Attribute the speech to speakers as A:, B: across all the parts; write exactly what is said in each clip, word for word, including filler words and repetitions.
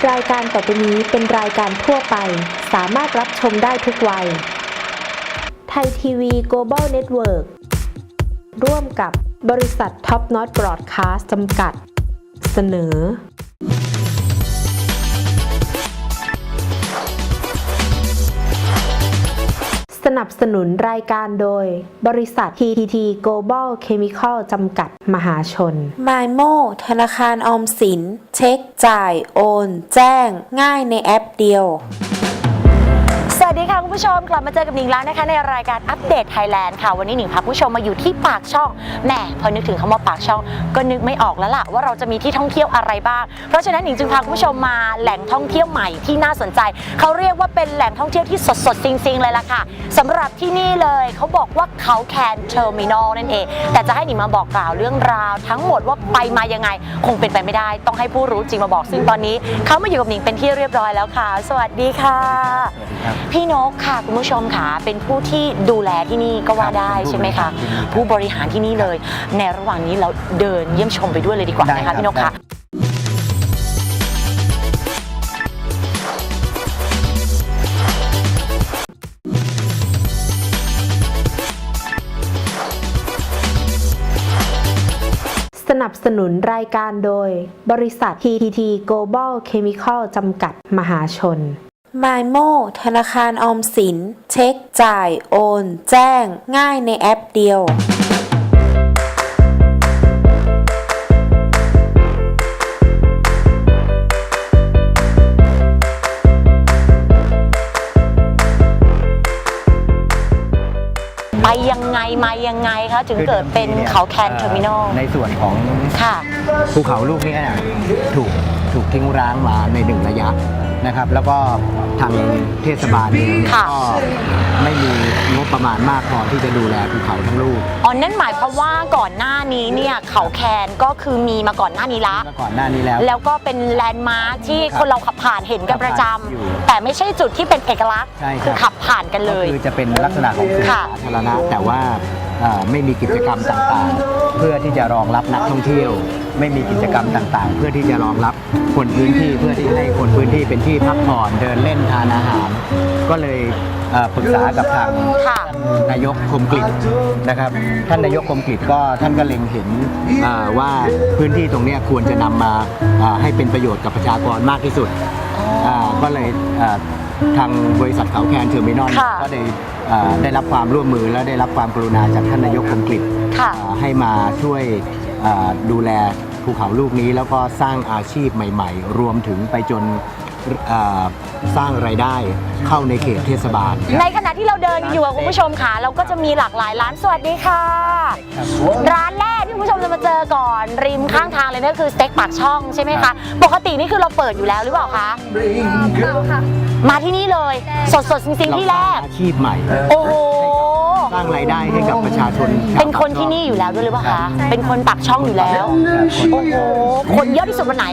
A: รายการต่อไปนี้เป็นรายการทั่วไปสามารถรับชมได้ทุกวัยไทยทีวี Global Network ร่วมกับบริษัท Top Notch Broadcast จำกัดเสนอสนับสนุนรายการโดยบริษัท ที ที ที Global Chemical จำกัดมหาชน
B: มายโม ธนาคารออมสินเช็คจ่ายโอนแจ้งง่ายในแอปเดียวสวัสดีค่ะคุณผู้ชมกลับมาเจอกับหนิงแล้วนะคะในรายการอัปเดตไทยแลนด์ค่ะวันนี้หนิงพาคุณผู้ชมมาอยู่ที่ปากช่องแหมพอนึกถึงคำว่าปากช่องก็นึกไม่ออกแล้วล่ะว่าเราจะมีที่ท่องเที่ยวอะไรบ้างเพราะฉะนั้นหนิงจึงพาคุณผู้ชมมาแหล่งท่องเที่ยวใหม่ที่น่าสนใจเขาเรียกว่าเป็นแหล่งท่องเที่ยวที่สดๆจริงๆเลยล่ะค่ะสำหรับที่นี่เลยเขาบอกว่าเขาแคนเทอร์มินอลนั่นเองแต่จะให้หนิงมาบอกกล่าวเรื่องราวทั้งหมดว่าไปมายังไงคงเป็นไปไม่ได้ต้องให้ผู้รู้จริงมาบอกซึ่งตอนนี้เขามาอยู่กับหนิงเป็นที่เรียบร้อยแล้วค่ะสวัสดีค่ะพี่นกค่ะคุณผู้ชมค่ะเป็นผู้ที่ดูแลที่นี่ก็ว่าได้ใช่ไหมคะผู้บริหารที่นี่เลยในระหว่างนี้เราเดินเยี่ยมชมไปด้วยเลยดีกว่านะคะพี่นกค่ะ
A: สนับสนุนรายการโดยบริษัท ที ที ที Global Chemical จำกัดมหาชน
B: มายโม ธนาคารออมสินเช็คจ่ายโอนแจ้งง่ายในแอปเดียว
C: ไปยังไงมายังไงคะถึงเกิดเป็นเขาแคนเทอร์มินอล
D: ในส่วนของภูเขาลูกนี้ถูกถูกทิ้งร้างมาในหนึ่งระยะนะครับแล้วก็ทางเทศบาลเองก็ไม่มีงบประมาณมากพอที่จะดูแลภูเขาทั้งลูก
C: อ๋อนั่นหมายความว่าก่อนหน้านี้เนี่ยเขาแคนก็คือมีมาก่อนหน้านี้ละ
D: ก่อนหน้านี้แล้ว
C: แล้วก็เป็นแลนด์มาร์คที่คนเราขับผ่านเห็นกันประจำแต่ไม่ใช่จุดที่เป็นเอกลักษณ์คือขับผ่านกันเลย
D: คือจะเป็นลักษณะของสวนสาธารณะแต่ว่าไม่มีกิจกรรมต่างๆเพื่อที่จะรองรับนักท่องเที่ยวไม่มีกิจกรรมต่างๆเพื่อที่จะรองรับคนพื้นที่เพื่อที่ให้คนพื้นที่เป็นที่พักผ่อนเดินเล่นทานอาหารก็เลยปรึกษากับทางนายกคมกฤษนะครับท่านนายกคมกฤษก็ท่านก็เล็งเห็นว่าพื้นที่ตรงนี้ควรจะนำมาให้เป็นประโยชน์กับประชากรมากที่สุดก็เลยทางบริษัทเขาแคนเทอร์มินอลก็ได้ได้รับความร่วมมือและได้รับความกรุณาจากท่านนายกคมกฤษให้มาช่วยดูแลภูเขาลูกนี้แล้วก็สร้างอาชีพใหม่ๆรวมถึงไปจนสร้างรายได้เข้าในเขตเทศบาล
C: ในขณะที่เราเดินอยู่คุณผู้ชมค่ะเราก็จะมีหลากหลายร้านสวัสดีค่ะร้านแรกที่คุณผู้ชมจะมาเจอก่อนริมข้างทางเลยนั่นคือสเต็กปากช่องใช่ไหมคะปกตินี่คือเราเปิดอยู่แล้วหรือเปล่าคะเปล่าค่ะมาที่นี่เลยสดๆจริงๆที่แรก
D: อาชีพใหม่
C: โอ้โห
D: สร้างรายได้ให้กับประชาชน
C: เป็นคนที่นี่อยู่แล้วด้วยหรือเปล่าคะเป็นคนปากช่องอยู่แล้วโอ้โหคนเยอะที่สุดวันไหน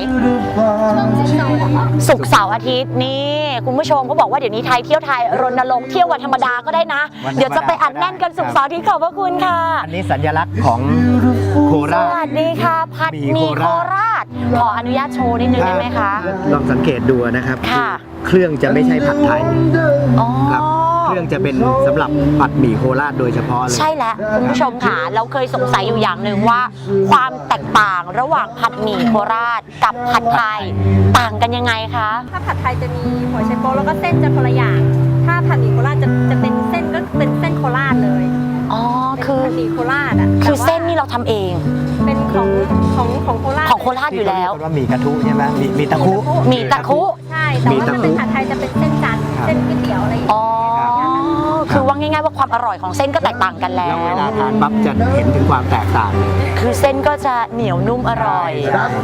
C: ศุกร์เสาร์อาทิตย์นี่คุณผู้ชมเขาบอกว่าเดี๋ยวนี้ไทยเที่ยวไทยรณรงค์เที่ยววันธรรมดาก็ได้นะเดี๋ยวจะไปอัดแน่นกันศุกร์เสาร์อาทิตย์ขอบพระคุณค่ะ
D: อันนี้สัญลักษณ์ของโคราช
C: สวัสดีค่ะผัดหมี่โคราชขออนุญาตโชว์นิดนึงได้ไหมคะ
D: ลองสังเกตดูนะครับเครื่องจะไม่ใช่ผัดไทยครับเครื่องจะเป็นสำหรับผัดหมี่โคราชโดยเฉพาะเลย
C: ใช่แล้วคุณผู้ชมค่ะเราเคยสงสัยอยู่อย่างหนึ่งว่าความแตกต่างระหว่างผัดหมี่โคราชกับผัดไทยต่างกันยังไงคะ
E: ถ้าผัดไทยจะมีหัวไชโป๊แล้วก็เส้นจะคนละอย่างถ้าผัดหมี่โคราชจะจะเป็นเส้นก็เป็นเส้นโคราชเลย
C: อ๋อคือ
E: ผัดหมี่โคราชอ่ะ
C: คือเส้นนี่เราทำเอง
E: เป็นของของของโคราช
C: ของโคราชอยู่แล้ว
D: ว่ามีกระทุใช่ไหมมีมีตะคุ
C: มีตะคุ
E: ใช่แต่ว่าถ้าเป็นผัดไทยจะเป็นเส้นจันทร์เส้นก๋วยเตี๋ยวอะไรอย่างเงี้ย
C: คือว่าง่ายๆว่าความอร่อยของเส้นก็แตกต่างกันแล้ว
D: เวลาทานปั๊บจะเห็นถึงความแตกต่างเลย
C: คือเส้นก็จะเหนียวนุ่มอร่อย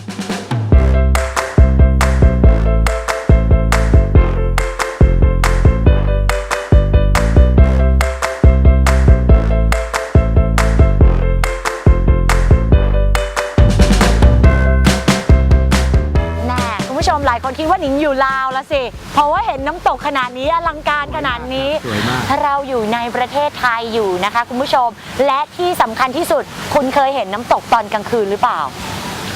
C: หลายคนคิดว่าหนิงอยู่ลาวละสิเพราะว่าเห็นน้ำตกขนาดนี้อลังการขนาดนี้เราอยู่ในประเทศไทยอยู่นะคะคุณผู้ชมและที่สำคัญที่สุดคุณเคยเห็นน้ำตกตอนกลางคืนหรือเปล่า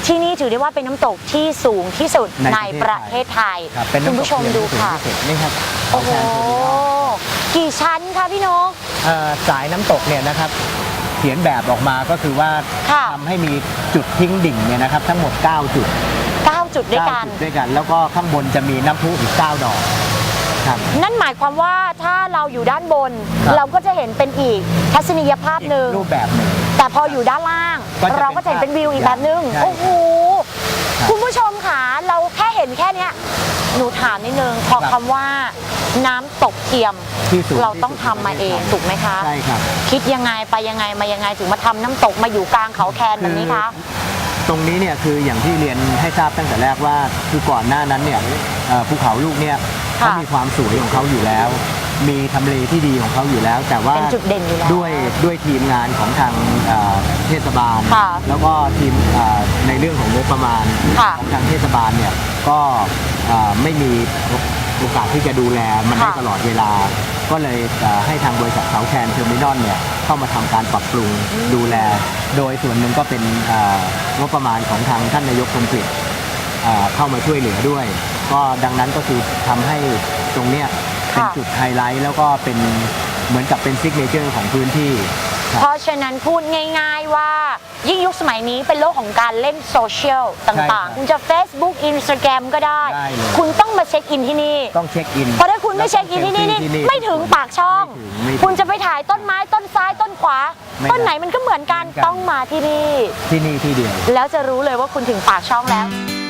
C: ที่นี่ถือได้ว่าเป็นน้ำตกที่สูงที่สุดใน
D: ใน
C: ป
D: ประ ระ
C: เท
D: เท
C: ศ
D: ศ
C: ไท
D: ไท
C: ย
D: ย ครับเป็น
C: คุณ
D: น้ำต
C: ผู้
D: ก
C: ชม
D: เทียน
C: ดู
D: ที่สูง
C: ค่ะ
D: ที่สุดนี่ครับ
C: โอ้โห กี่ชั้นคะพี่นก
D: เอ่อสายน้ำตกเนี่ยนะครับเขียนแบบออกมาก็คือว่า
C: ค่ะ
D: ทำให้มีจุดทิ้งดิ่งเนี่ยนะครับทั้งหมด เก้า จุด
C: เก้าจุดด้วยกัน
D: เก้าจุดด้วยกัน แล้วก็ข้างบนจะมีน้ำพุอีก เก้า ดอกครับ
C: นั่นหมายความว่าถ้าเราอยู่ด้านบน
D: ครับ
C: เราก็จะเห็นเป็นอีกทัศนียภาพหนึ่ง
D: รูปแบบหนึ่ง
C: แต่พออยู่ด้านล่าง
D: ก็จะเป็น
C: เราก็จะเห็นเป็นวิวอีกแบบนึง
D: ใช่
C: โอ้โห
D: ครับ
C: คุณผู้ชมค่ะเราแค่เห็นแค่เนี้ยหนูถามนิดนึงพอ
D: ครับ
C: คำว่าน้ำตกเทียม
D: ที่สูง
C: เราต้องทำมาเองถูกไหมคะ
D: ใช่ครับ
C: คิดยังไงไปยังไงมายังไงถึงมาทำน้ำตกมาอยู่กลางเขาแคนแบบนี้คะ
D: ตรงนี้เนี่ยคืออย่างที่เรียนให้ทราบตั้งแต่แรกว่าคือก่อนหน้านั้นเนี่ยเอ่อภูเขาลูกเนี่ยเขามีความสวยของเขาอยู่แล้ว มีทำเลที่ดีของเขาอยู่แล้ว แต่ว่า
C: เป็นจุดเด่นอยู่แล้ว
D: ด้วยด้วยทีมงานของทางเอ่อเทศบาล
C: ค่ะ
D: แล้วก็ทีมเอ่อในเรื่องของงบประมาณ
C: ค่ะ
D: ของทางเทศบาลเนี่ยก็เอ่อไม่มีโอกาสที่จะดูแลมันได้
C: ค่ะ
D: ตลอดเวลา ก็เลยเอ่อให้ทางบริษัทเสาแคนเทอร์มินอลเนี่ยเข้ามาทำการปรับปรุงดูแล โดยส่วนหนึ่งก็เป็นเอ่องบประมาณของทางท่านนายกคมกฤษเอ่อเข้ามาช่วยเหลือด้วย ก็ดังนั้นก็คือทำให้ตรงเนี้ยเป็น
C: ค่ะ
D: จุดไฮไลท์แล้วก็เป็นเหมือนกับเป็นซิกเนเจอร์ของพื้นที่ครับ
C: เพราะฉะนั้นพูดง่ายๆว่ายิ่งยุคสมัยนี้เป็นโลกของการเล่นโซเชียลต่างๆ คุณจะ Facebook Instagram ก็ได้
D: ได้เลย
C: คุณต้องมาเช็คอินที่นี่
D: ต้องเช็คอิน
C: เพราะถ้าคุณไม่เช็คอินที่นี่นี่
D: แล้วต้องเซลฟี่
C: ไม่ถึงปากช่อง
D: ไม่ถึงไม่ถึง
C: คุณจะไปถ่ายต้นไม้ต้นซ้ายต้นขวา
D: ไม่ได้
C: ต้นไหนมันก็เหมือนกัน
D: เหมือนกัน
C: ต้องมาที่นี่
D: ที่นี่ที่เดียว
C: แล้วจะรู้เลยว่าคุณถึงปากช่องแล้ว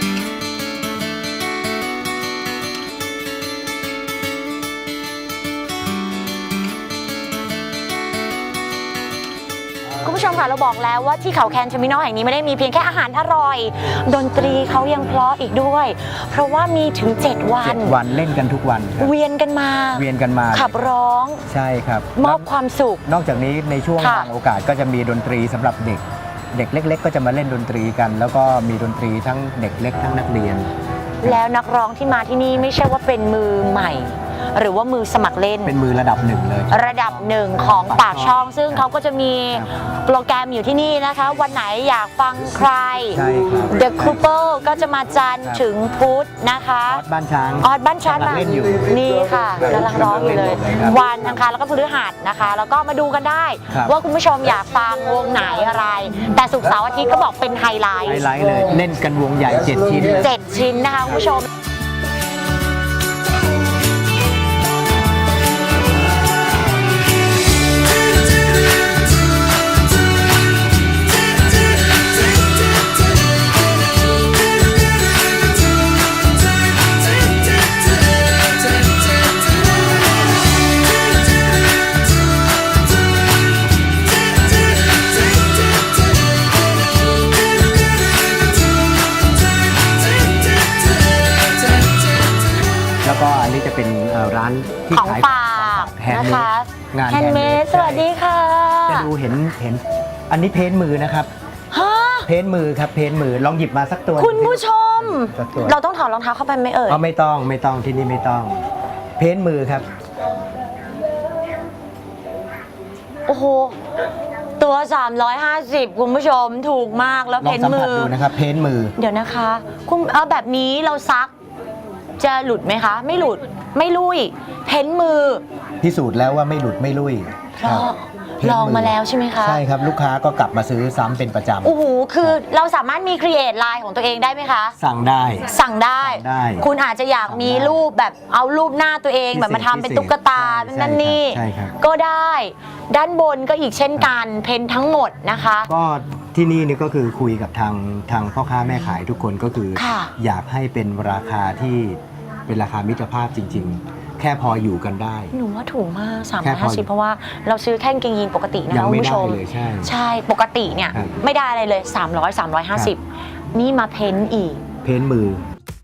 C: คุณผู้ชมค่ะเราบอกแล้วว่าที่เขาแคนเทอร์มินอลแห่งนี้ไม่ได้มีเพียงแค่อาหารอร่อย ดนตรีเขายังเพราะอีกด้วย เพราะว่ามีถึง เจ็ด วัน
D: เจ็ดวันเล่นกันทุกวันครับ
C: เวียนกันมา
D: เวียนกันมา
C: ขับร้อง
D: ใช่ครับ
C: มอบความสุข
D: นอกจากนี้ในช่วง
C: ค่ะ
D: บางโอกาสก็จะมีดนตรีสำหรับเด็ก เด็กเล็ก ๆ ก็จะมาเล่นดนตรีกัน แล้วก็มีดนตรีทั้งเด็กเล็กทั้งนักเรียน
C: แล้วนักร้องที่มาที่นี่ไม่ใช่ว่าเป็นมือใหม่ หรือว่ามือสมัครเล่น
D: เป็นมือระดับหนึ่งเลย
C: ระดับหนึ่งของปากช่อง ซึ่งเขาก็จะมี
D: ครับ
C: โปรแกรมอยู่ที่นี่นะคะ วันไหนอยากฟังใคร
D: ใช่ครับ
C: The Couple ก็จะมาจันทร์
D: ครับ
C: ถึงพุธนะคะ
D: ออสบ้านช้าง
C: ออดบ้านชัด
D: กำลังเล่นอยู่
C: นี่ค่ะกำลังร้องอยู่เลย
D: กำลังเล่นอยู่เลยครับ
C: วันอังคารแล้วก็พฤหัสนะคะ แล้วก็มาดูกันได้
D: ครับ
C: ว่าคุณผู้ชมอยากฟังวงไหนอะไร แต่ศุกร์เสาร์อาทิตย์ก็บอกเป็นไฮไลท์
D: ไฮไลท์เลย เล่นกันวงใหญ่เจ็ดชิ้น
C: เจ็ดชิ้นนะคะคุณผู้ชม
D: แล้วก็อันนี้จะเป็นเอ่อร้านที่
C: ของ
D: ขาย
C: ฝาก
D: แฮน
C: นะ
D: ด์เม
C: คะ
D: ดงาน
C: แฮนด์เมดสวัสดีค่ะ
D: จะดูเห็นเห็นอันนี้เพ้นท์มือนะครับ
C: ฮะ
D: เพ้นท์มือครับเพ้นท์มือลองหยิบมาสักตัว
C: คุณผู้ชม
D: สักตัว
C: เราต้องถอดรองเท้าเข้าไปไหมเอ่ย
D: เอาไม่ต้องไม่ต้องที่นี่ไม่ต้อง เพ้นท์มือครับ
C: โอ้โห ตัว สามร้อยห้าสิบ คุณผู้ชมถูกมากแล้ว
D: ลอ
C: เพ้
D: ง
C: น
D: สัม
C: มื
D: ผัส
C: อ
D: ดูนะครับ เพ้นท์มือ
C: เดี๋ยวนะคะคุณเอาแบบนี้เราซัก จะหลุดไหมคะ ไม่หลุดไม่ลุย เพ้นมือ
D: พิสูจน์แล้วว่าไม่หลุดไม่ลุ่ย
C: เพราะ
D: ครับเพ้นท์
C: ลองมาแล้วใช่ไหมคะ
D: ใช่ครับลูกค้าก็กลับมาซื้อซ้ำเป็นประจำ
C: โอ้โห คือเราสามารถมีครีเอทไลน์ของตัวเองได้ไหมคะ
D: สั่งได้
C: สั่งได้
D: สั่งได้
C: คุณอาจจะอยากมีรูปแบบเอารูปหน้าตัวเองแบบมาทำเป็นตุ๊กตา
D: พิ
C: เป็น
D: เศษ
C: นั่นนี่
D: ใช่ครับ
C: ก็ได้ ด้านบนก็อีกเช่นกัน เพ้นทั้งหมดนะคะ
D: ก็ที่นี่นี่ก็คือคุยกับทางทางพ่อค้าแม่ขายทุกคนก็คือ
C: ค่ะ
D: อยากให้เป็นราคาที่เป็นราคามิตรภาพจริง ๆ แค่พออยู่กันได้
C: หนูว่าถูกมาก
D: แค่พอ
C: สามร้อยห้าสิบ เพราะว่าเราซื้อแค่กางเกงยีนปกตินะ
D: ยัง
C: คะคุ
D: ไม่
C: ณผู้ชม
D: ได้เลยใช่
C: ใช่ปกติเนี่ย
D: ครับ
C: ไม่ได้อะไรเลย สามร้อย สามร้อยห้าสิบ นี่มาเพ้นอีก
D: เพ้นท์มือ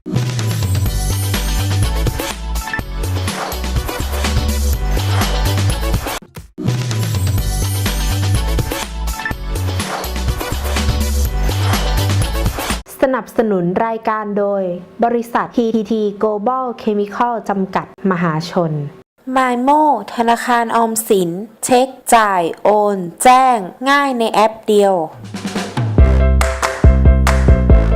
A: สนับสนุนรายการโดยบริษัท ที ที ที Global Chemical จำกัดมหาชน
B: มายโมธนาคารออมสิน เช็คจ่าย โอน แจ้ง ง่ายในแอปเดียว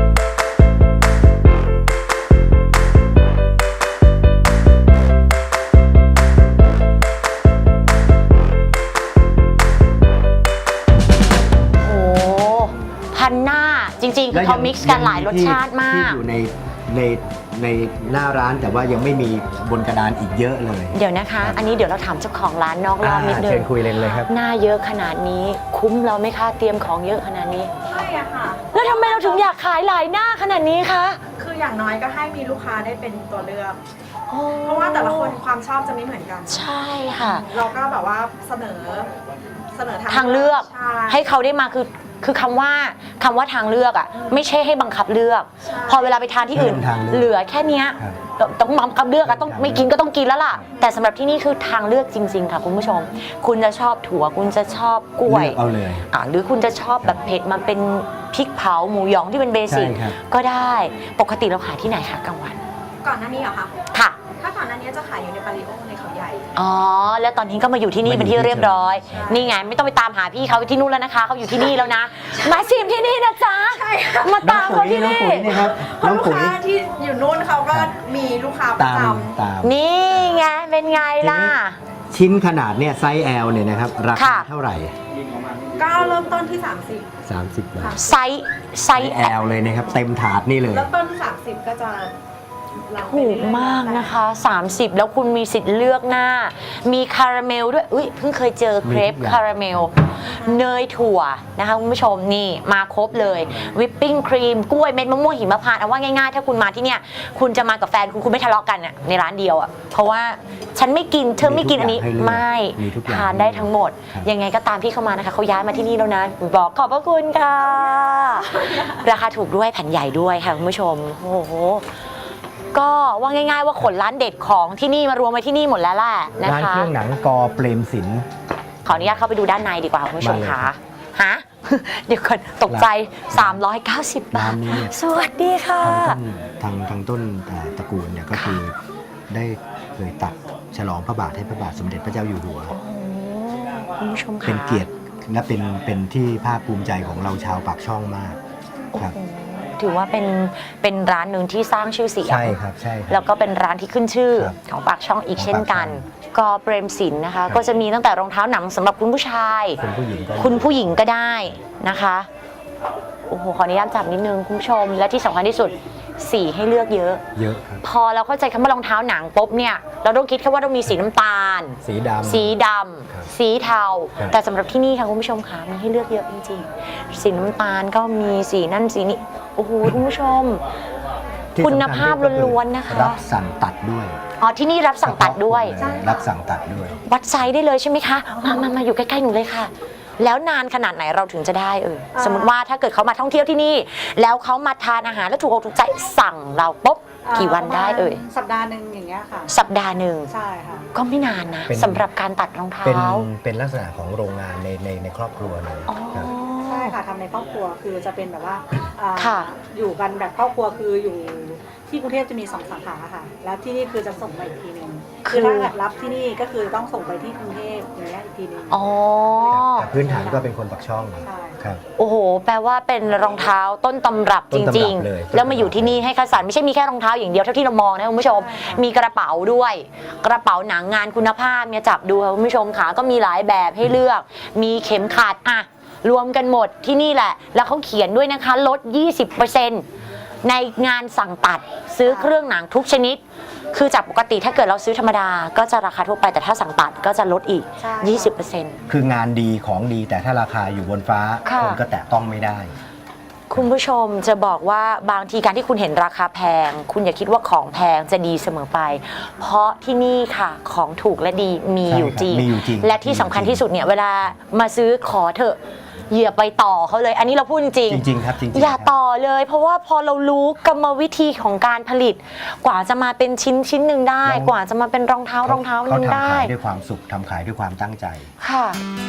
D: แล้ว
C: เขา mix กันหลายรสชาติมาก
D: ที่อยู่ในในในหน้าร้านแต่ว่ายังไม่มีบนกระดานอีกเยอะเลย
C: เดี๋ยวนะคะ อันนี้เดี๋ยวเราถามเจ้าของร้านนอกรอบนิดนึ
D: เชิ
C: ง
D: ญคุยเลยเลยครับ
C: หน้าเยอะขนาดนี้คุ้มเราไหมคะเตรียมของเยอะขนาดนี้
E: ใช่อะค่ะ
C: แล้วทำไมเราถึงอยากขายหลายหน้าขนาดนี้คะ
E: คืออย่างน้อยก็ให้มีลูกค้าได้เป็นตัวเลือก เพราะว่าแต่ละคนความชอบจะไม่เหมือนกัน
C: ใช่ค่ะ
E: เราก็แบบว่าเสนอเสนอ
C: ทางเลือก
E: ใช่
C: ให้เขาได้มาคือคือคำว่าคำว่าทางเลือกอ่ะไม่ใช่ให้บังคับเลือก
E: ใช่
C: พอเวลาไปทานที่อื่น
D: เพิ่มทางเลือก
C: เหลือแค่เนี้ย
D: ครับ
C: ต้องบังคับเลือกอะต้องไม่กินก็ต้องกินแล้วล่ะ แต่สำหรับที่นี่คือทางเลือกจริง ๆ ค่ะคุณผู้ชม คุณจะชอบถั่วคุณจะชอบกล้วย
D: เลือกเอาเลย
C: อ่าหรือคุณจะชอบแบบเผ็ดมาเป็นพริกเผาหมูหยองที่เป็นเบสิก
D: ใช่ครับ
C: ก็ได้ปกติเราขายที่ไหนคะกลางวัน
E: ก่อนหน้านี้เหรอคะ
C: ค่ะ
E: ถ้าก่อนหน้านี้จะขายอยู่ในปาริโอในเขาใหญ่
C: อ๋อ แล้วตอนนี้ก็มาอยู่ที่นี่เป็นที่เรียบร้อย
E: ใช่
C: นี่ไงไม่ต้องไปตามหาพี่เขาที่นู่นแล้วนะคะเขาอยู่ที่นี่แล้วนะ มาชิมที่นี่นะจ๊ะ
E: ใช่ค่ะ
C: มาตามเขาที่
D: น้อง
C: นี่
D: ปุ๋ยนี่ครับ
E: เพ
D: น้
E: ราะ
D: อง
E: ลูก
D: ปุ๋ย
E: ค้าที่อยู่นู่นเขาก็มีลูกค้าประ
D: ตาม
E: จ
D: ตาม
C: นี่ไงเป็นไงล่ะ
D: ชิ้นขนาดเนี่ยไซส์ L เนี่ยนะครับราคา
C: ค่ะ
D: เท่าไหร่
E: ำก็เริ่มต้นที่ สามสิบ
D: สามสิบ บาท
C: ไซส์ไซ
D: ไซ
C: ส์
D: ส์ L เลยนะครับ เต็มถาดนี่เลย
E: เริ่มต้นที่ สามสิบ ก็จะรับไป
C: ถูก
E: เรื่อยๆ
C: มากนะคะ สามสิบ แล้วคุณมีสิทธิ์เลือกหน้า มีคาราเมลด้วยอุ้ยเพิ่งเคยเจอเครป
D: มีทุกอย่าง
C: คาราเมล เนยถั่วนะคะคุณผู้ชมนี่มาครบเลยวิปปิ้งครีมกล้วยเม็ดมะม่วงหิมพานต์เอาว่าง่ายๆ ถ้าคุณมาที่เนี่ยคุณจะมากับแฟนคุณคุณไม่ทะเลาะกันอะในร้านเดียวอะเพราะว่าฉันไม่กินเธอไม่กินอันนี้
D: มีทุกอย่างให้เลือก
C: ไม่
D: มีทุกอย่าง
C: ทานได้ทั้งหมด
D: ครับ
C: ยังไงก็ตามที่เข้ามานะคะเขาย้ายมาที่นี่แล้วนะบอกขอบพระคุณค่ะ ราคาถูกด้วยแผ่นใหญ่ด้วยค่ะคุณผู้ชมโอ้โหก็ว่าง่ายๆว่าขนร้านเด็ดของที่นี่มารวมไว้ที่นี่หมดแล้วแหละนะ
D: ร้าน
C: คะ
D: เครื่องหนังกอเปรมศิลป์
C: ขออนุญาตเข้าไปดูด้านในดีกว่าคุณผู้ชม
D: มาเลย
C: ค่ะฮะ เดี๋ยวก่อนตกใจ สามร้อยเก้าสิบ บาท
D: ร้านนี้เนี่ย
C: สวัสดีค่ะ
D: ทางต้นทางทางต้นเอ่อตระกูลเนี่ยก็คือได้เคยตัดฉลองพระบาทให้พระบาทสมเด็จพระเจ้าอยู่หัว
C: โอ้คุณผู้ชมค่ะ
D: เป็นเกียรติและเป็นเป็นที่ภาคภูมิใจของเราชาวปากช่องมาก
C: โอ้
D: ครับ
C: โหถือว่าเป็นเป็นร้านหนึ่งที่สร้างชื่อเสียง
D: ใช่ครับใช่ครับ
C: แล้วก็เป็นร้านที่ขึ้นชื่อ
D: ครับ
C: ของปากช่องอีก
D: ของ
C: เช่นกัน
D: ปากช่
C: กอเปรมศิลป์นะคะ
D: ครับ
C: ก็จะมีตั้งแต่รองเท้าหนังสำหรับคุณผู้ชาย
D: คุณผู้หญิงก็
C: คุณผู้หญิงก็ได้นะคะ โอ้โห ขออนุญาตจับนิดนึงคุณผู้ชม และที่สำคัญที่สุดสีให้เลือกเยอะ
D: เยอะครับ
C: พอเราเข้าใจคำว่ารองเท้าหนังปุ๊บเนี่ย เราต้องคิดแค่ว่าต้องมีสีน้ำตาล
D: สีดำ
C: สีด
D: ครับ
C: ำ สีเทา
D: ครับ
C: แต่สำหรับที่นี่ค่ะคุณผู้ชมค่ะมีให้เลือกเยอะจริงๆ สีน้ำตาลก็มีสีนั่นสีนี้ โอ้โหคุณผู้ชม
D: ที่
C: คุณ
D: สำญ
C: ภาพ
D: ก็อ
C: ล้วนๆนะคะ
D: รับสั่งตัดด้วย
C: อ๋อที่นี่รับสั่งตัดด้วย
D: เฉพาะคนเลยรับสั่งตัดด้วย
C: วัดไซส์ได้เลยใช่ไหมคะ มามามาอยู่ใกล้ๆหนูเลยค่ะ แล้วนานขนาดไหนเราถึงจะได้เออ
E: อ่า
C: สมมติว่าถ้าเกิดเขามาท่องเที่ยวที่นี่ แล้วเขามาทานอาหารแล้วถูกอกถูกใจสั่งเราปุ๊บกี่วันได้เอ่ย
E: สัปดาห์หนึ่งอย่างเงี้ยค่ะ
C: สัปดาห์หนึ่ง
E: ใช่ค่ะ
C: ก็ไม่นานนะ
D: เป็น
C: สำหรับการตัดรองเท้า
D: เป็นเป็นลักษณะของโรงงานในในในครอบครัวเลย
C: อ๋อ
D: ครับ
E: ใช่ค่ะทำในครอบครัวคือจะเป็นแบบว่าอ่า
C: ค่ะ
E: อยู่กันแบบครอบครัวคืออยู่ที่กรุงเทพจะมีสองสาขาค่ะ แล้วที่นี่คือจะส่งไปอีกทีหนึง
C: คือ
E: ถ้าแบบรับที่นี่ก็คือต้องส่งไปที่กรุงเทพอย่างเงี้ยอีกทีหนึง
C: อ๋อ
D: แต่พื้นฐานก็เป็นคนปักช่อง
E: ใช่
D: ครับ
C: โอ้โห แปลว่าเป็นรองเท้าต้นตำรับ
D: ต้
C: จ
D: นตำรับ
C: ริง
D: เลย
C: ๆ แล้วมาอยู่ที่นี่ให้คัดสรรไม่ใช่มีแค่รองเท้าอย่างเดียวเท่าที่เรามองนะคุณผู้ชม มีกระเป๋าด้วย กระเป๋าหนังงานคุณภาพเนี่ยจับดูค่ะคุณผู้ชมค่ะก็มีหลายแบบให้เลือก มีเข็มขัดอะรวมกันหมดที่นี่แหละ แล้วเขาเขียนด้วยนะคะลด ยี่สิบเปอร์เซ็นต์ ในงานสั่งตัดซื้อเครื่องหนังทุกชนิด คือจากปกติถ้าเกิดเราซื้อธรรมดาก็จะราคาทั่วไปแต่ถ้าสั่งตัดก็จะลดอีก
E: ใช่
C: ยี่สิบเปอร์เซ็นต์
D: คืองานดีของดีแต่ถ้าราคาอยู่บนฟ้า
C: ค่ะ
D: คนก็แตะต้องไม่ได้
C: คุณผู้ชมจะบอกว่าบางทีการที่คุณเห็นราคาแพง คุณอย่าคิดว่าของแพงจะดีเสมอไป เพราะที่นี่ค่ะของถูกและดีมี
D: ใช่
C: อยู่จริง
D: ครับมีอยู่จริง
C: และที่สำคัญที่สุดเนี่ยเวลามาซื้อขอเถอะอย่าไปต่อเขาเลย อันนี้เราพูดจริง
D: จริงๆครับจริงๆ
C: อย่า
D: ครับ
C: ต่อเลย เพราะว่าพอเรารู้กรรมวิธีของการผลิต กว่าจะมาเป็นชิ้นชิ้นหนึ่งได้
D: แล้ว
C: กว่าจะมาเป็นรองเท้ารองเท้าห
D: เขา
C: นึ่ง
D: ทำ
C: ได้
D: ขายด้วยความสุขทำขายด้วยความตั้งใจ
C: ค่ะ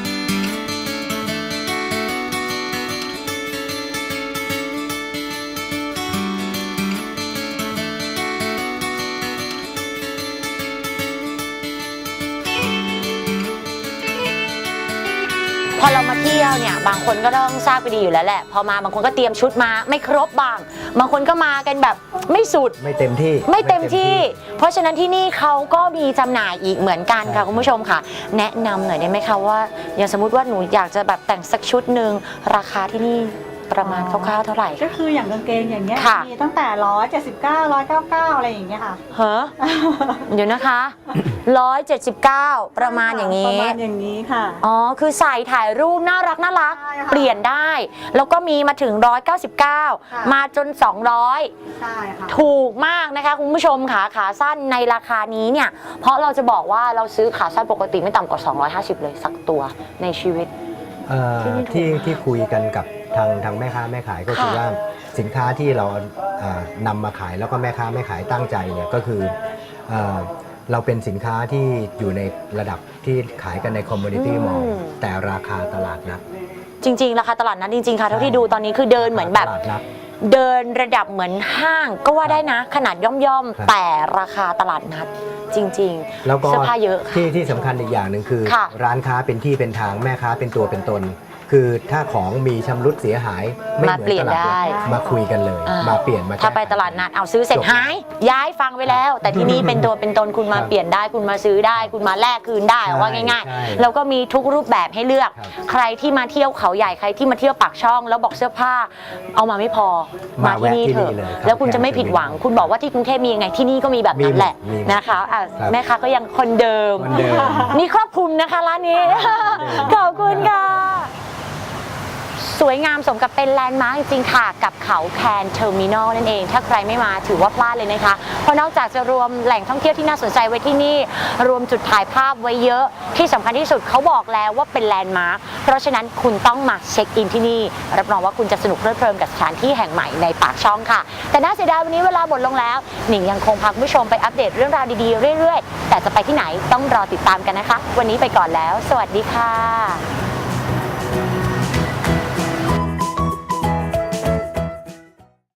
C: พอเรามาเที่ยวเนี่ยบางคนก็ต้องทราบไปดีอยู่แล้วแหละ พอมาบางคนก็เตรียมชุดมาไม่ครบบาง บางคนก็มากันแบบไม่สุด
D: ไม่เต็มที่
C: ไม่เต็มที่ เพราะฉะนั้นที่นี่เขาก็มีจำหน่ายอีกเหมือนกันค่ะ
D: ใช่
C: คุณผู้ชมค่ะ แนะนำหน่อยได้ไหมคะว่าอย่างสมมติว่าหนูอยากจะแบบแต่งสักชุดหนึ่งราคาที่นี่ประมาณคร่าวๆเท่าไหร่
F: ก็คืออย่างกางเกงอย่างเงี้ย
C: ค่ะ
F: มีตั้งแต่ร้อยเจ็ดสิบเก้าร้อยเก้าเก้าอะไรอย่างเงี้ยค่ะ
C: เฮ้อ เดี๋ยวนะคะร้อยเจ็ดสิบเก้าประมาณอย่าง
F: นี้
C: นี้
F: ประมาณอย่างนี้ค่ะ
C: อ๋อ คือใส่ถ่ายรูปน่ารักน่ารัก
F: ใช่ค่ะ
C: เปลี่ยนได้ แล้วก็มีมาถึงหนึ่งร้อยเก้าสิบเก้า
F: ค่ะ
C: มาจน สองร้อย
F: ใช่ค่ะ
C: ถูกมากนะคะคุณผู้ชมขาขาสั้นในราคานี้เนี่ย เพราะเราจะบอกว่าเราซื้อขาสั้นปกติไม่ต่ำกว่า สองร้อยห้าสิบ เลยสักตัวในชีวิต
D: เอ่อ
C: ที่นี่ถูก
D: ที่
C: มาก
D: ที่คุยกันกับทางทางแม่ค้าแม่ขายก็คือ
C: ค่ะ
D: ว่าสินค้าที่เราเอ่อนำมาขายแล้วก็แม่ค้าแม่ขายตั้งใจเนี่ยก็คือเอ่อเราเป็นสินค้าที่อยู่ในระดับที่ขายกันในคอมมูนิตี้มอลล์แต่ราคาตลาดนัด
C: จริง ๆ ราคาตลาดนัดจริง ๆ ค่ะเท่าที่ดูตอนนี้คือเดินเหมือนแบบ
D: ตลาดนัด
C: เดินระดับเหมือนห้างก็ว่าได้นะ ขนาดย่อม
D: ครับ
C: ๆ แต่ราคาตลาดนัดจริง
D: แล้วก็
C: เสื้อผ้าเยอะค่ะ
D: ที่ที่สำคัญอีกอย่างหนึ่งคือ
C: ค่ะ
D: ร้านค้าเป็นที่เป็นทางแม่ค้าเป็นตัวเป็นตน คือถ้าของมีชำรุดเสียหายไม่
C: มา
D: เหมื
C: เปลี่
D: อย
C: ย
D: น
C: น
D: ตลาด
C: ได้
D: นัดมาคุยกันเลย
C: อ่
D: มาเปลี่ยนมา
C: ถ้า
D: แก้
C: ไปตลาดนัดเอาซื้อเสร็จ
D: จบ
C: หาย ย้ายฟังไว้แล้ว แต่ที่นี่เป็นตัวเป็นตนคุณมา
D: ครับ
C: เปลี่ยนได้คุณมาซื้อได้ คุณมาแลกคืนได้
D: ใช่
C: ว่าง่าย
D: ใช่
C: ๆ แล้วก็มีทุกรูปแบบให้เลือก
D: ครับ
C: ใครที่มาเที่ยวเขาใหญ่ใครที่มาเที่ยวปากช่อง แล้วบอกเสื้อผ้า เอามาไม่พอมา
D: มา
C: ที่นี่
D: แวะที่
C: เถ
D: นี่
C: อะ
D: เลยครับ
C: แล้วคุณจะไม่ผิดหวัง คุณบอกว่าที่กรุงเทพมียังไงที่นี่ก็มีแบบนั้นแหละ
D: มีหมด
C: นะคะอ่ะ
D: ครับ
C: แม่ค้าก็ยังคนเดิม
D: คนเดิม
C: นี่ครอบคลุมนะคะร้านนี้ ขอบคุณค่ะ สวยงามสมกับเป็นแลนด์มาร์คจริงๆค่ะ กับเขาแคนเทอร์มินอลนั่นเอง ถ้าใครไม่มาถือว่าพลาดเลยนะคะ เพราะนอกจากจะรวมแหล่งท่องเที่ยวที่น่าสนใจไว้ที่นี่ รวมจุดถ่ายภาพไว้เยอะ ที่สำคัญที่สุดเขาบอกแล้วว่าเป็นแลนด์มาร์คเพราะฉะนั้นคุณต้องมาเช็คอินที่นี่ รับรองว่าคุณจะสนุกเพลิดเพลินกับสถานที่แห่งใหม่ในปากช่องค่ะ แต่น่าเสียดายวันนี้เวลาหมดลงแล้วหนิงยังคงพาคุณผู้ชมไปอัปเดตเรื่องราวดีๆเรื่อยๆแต่จะไปที่ไหนต้องรอติดตามกันนะคะ วันนี้ไปก่อนแล้ว สวัสดีค่ะ